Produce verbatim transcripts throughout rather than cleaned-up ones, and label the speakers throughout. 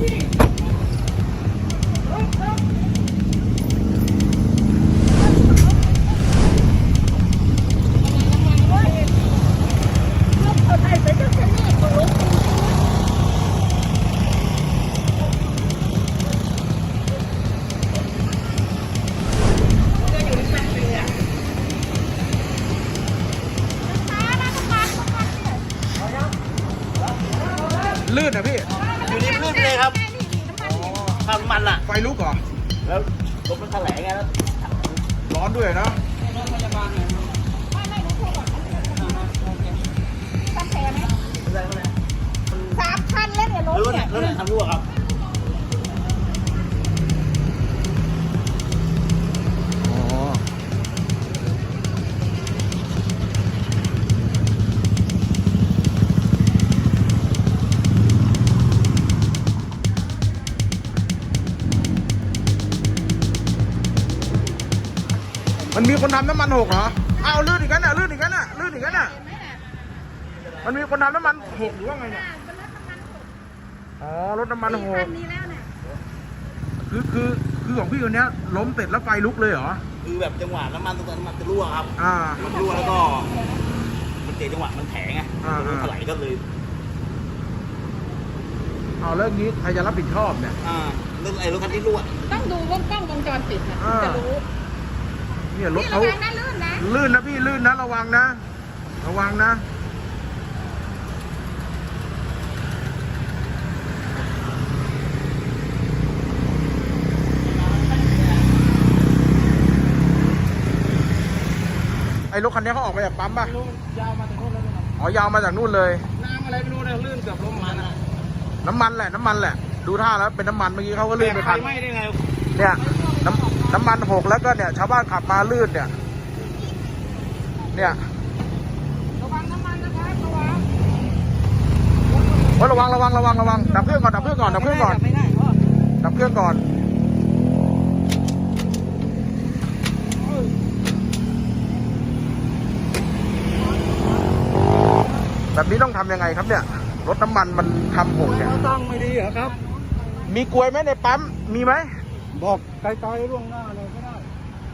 Speaker 1: ลื่นนะพี่
Speaker 2: อยู่นี่ลื่นเลยครับทำมันอ่ะ
Speaker 1: ไฟลุกเหรอ
Speaker 2: แล้วรถมันแถลงไงแล้ว
Speaker 1: ร้อนด้วยนะ
Speaker 3: สามคันแล้วเนี่ยรถเนี่ย
Speaker 2: รถไหนทำรั่วครับ
Speaker 1: มันมีคนทำน้ำมันหกเหรออ้าวลื่นอีกแล้วน่ะลื่นอีกแล้วน่ะลื่นอีกแล้วน่ะมันมีคนทำน้ำมันหกหรือว่าไงเนี่ยอ๋อรถน้ำมันหกคือคือคือของพี่คนนี้ล้มเสร็จแล้วไฟลุกเลยเหรอ
Speaker 2: คือแบบจังหวะน้ำมันตรงนั้นมันจะรั่วครับ
Speaker 1: อ่า
Speaker 2: มันรั่วแล้วก็มันเจจังหวะมันแถงไงรถถลายก็เลย
Speaker 1: เอาเรื่องนี้ใครจะรับผิดชอบเนี่ย
Speaker 2: อ่าเรื่องไอ้รถคันที่รั่ว
Speaker 3: ต้องดูวงกล้องวงจรปิดนะจะรู้
Speaker 1: เนี่ยรถเขาลื่นนะพี่ลื่นนะระวังนะระวังนะไอ้รถคันนี้เขาออกมาจากปั๊มป่ะ
Speaker 2: ยาวมาจากนู่นเลย
Speaker 1: อ๋อยาวมาจากนู่นเลย
Speaker 2: น้ำอะไรไม่รู้เนี่ยลื่นเกือบล้มมันอ่ะ
Speaker 1: น้ำมันแหละน้ำมันแหละดูท่าแล้วเป็นน้ำมันเมื่อกี้เขาก็ลื่นไปคัน
Speaker 2: ไม่ได้ไง
Speaker 1: เนี่ยน้ำน้ำมันหกแล้วก็เนี่ยชาวบ้านขับมาลื่นเนี่ยเนี่ย
Speaker 3: ระวังน้ำมันนะครับ
Speaker 1: ระวังระวังระวังระวังดับเครื่องก่อนดับเครื่องก่อนดับเครื่องก่อนดับเครื่องก่อนแบบนี้ต้องทำยังไงครับเนี่ยรถน้ำมันมันทำหกเนี่ย
Speaker 2: ต้องไม่ดีเหรอครับ
Speaker 1: มีกลวยไหมในปั๊มมีไหม
Speaker 2: บอกไกลๆล่วงหน้าเลยไม่ได้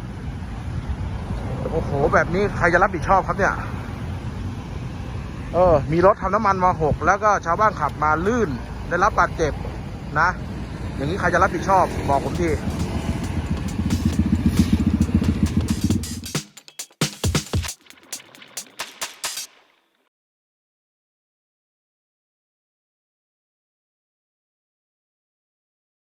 Speaker 1: โอ้โหแบบนี้ใครจะรับผิดชอบครับเนี่ยเออมีรถทำน้ำมันมาหกแล้วก็ชาวบ้านขับมาลื่นได้รับบาดเจ็บนะอย่างนี้ใครจะรับผิดชอบบอกผมที